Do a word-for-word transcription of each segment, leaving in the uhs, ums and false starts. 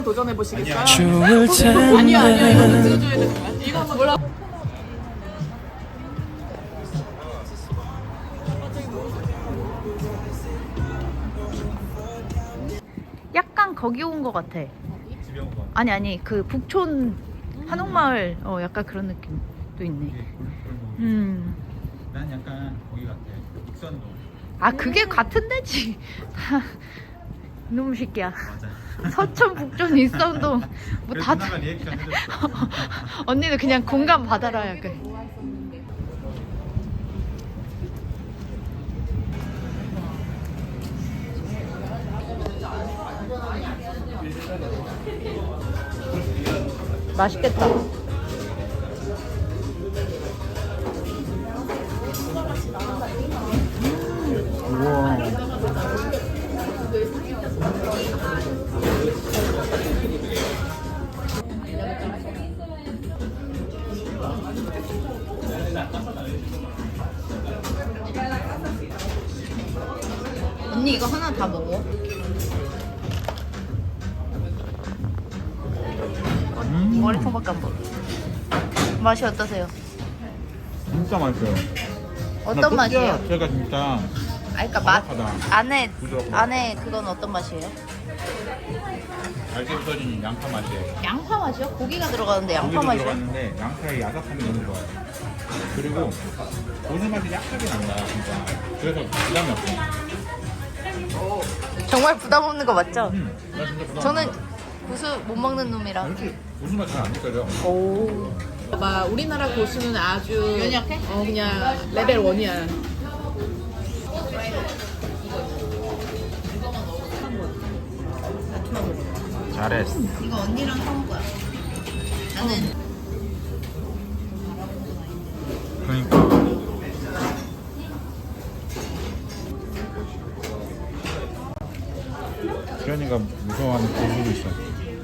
도전해 보시겠어요? 좋을 텐데. 아니요 아니요 이거는 찍어줘야 되는 거야. 이거 한번 몰라. 약간 거기 온 것 같아. 아니 아니 그 북촌 한옥마을 어 약간 그런 느낌도 있네. 음. 난 약간 거기 같아. 익선동. 아 그게 같은 데지. 이놈 새끼야. 맞아. 서촌 북촌 일선동 뭐 다. 누나가 리액션 해줬어. 언니는 그냥 공감 받아라 약간. 맛있겠다. 우와. 언니 이거 하나 다 먹어. 음. 머리통밖에 안 먹어. 맛이 어떠세요? 진짜 맛있어요. 어떤 맛이에요? 제가 진짜 아, 그러니까 맛 바삭하다. 안에 부드럽고. 안에 그건 어떤 맛이에요? 알게 부서진 양파 맛이에요. 양파 맛이요? 고기가 들어가는데 양파 고기도 맛이요? 들어갔는데 양파의 야삭함이 너무 좋아요. 그리고 고수 맛이 약하게 난다 진짜. 그래서 부담이 없어. 정말 부담 없는 거 맞죠? 음, 나 진짜 부담 저는 없어. 고수 못 먹는 놈이라. 솔직히 고수 맛 잘 안 느껴져. 오. 막 우리나라 고수는 아주 연약해? 어 그냥 레벨 원이야. 잘했어. 이거 언니랑 사온 거야. 나는 그러니까. 수현이가 무서워하는 고수도 있어.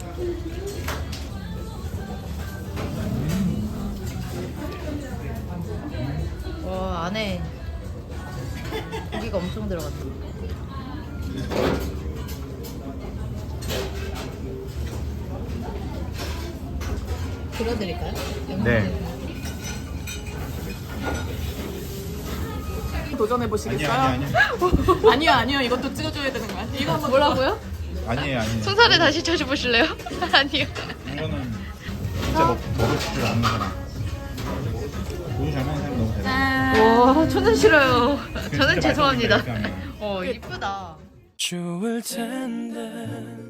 와 안에 고기가 엄청 들어갔다. 들어드릴까요? 네. 도전해 보시겠어요? 아니야 아니야 아니요 아니요 이것도 찍어줘야 되는 거야. 이거 한번 뭐라고요? 아니에요 아니에요. 손살에 다시 쳐주보실래요? 아니요. 이거는 진짜 먹, 먹을 줄 아는 사람. 고수 잘 먹는 사람 너무 대단해. 와 저는 싫어요. 저는 진짜 죄송합니다. 맛있는데, 이렇게 하면. 어 이쁘다. 좋을 텐데.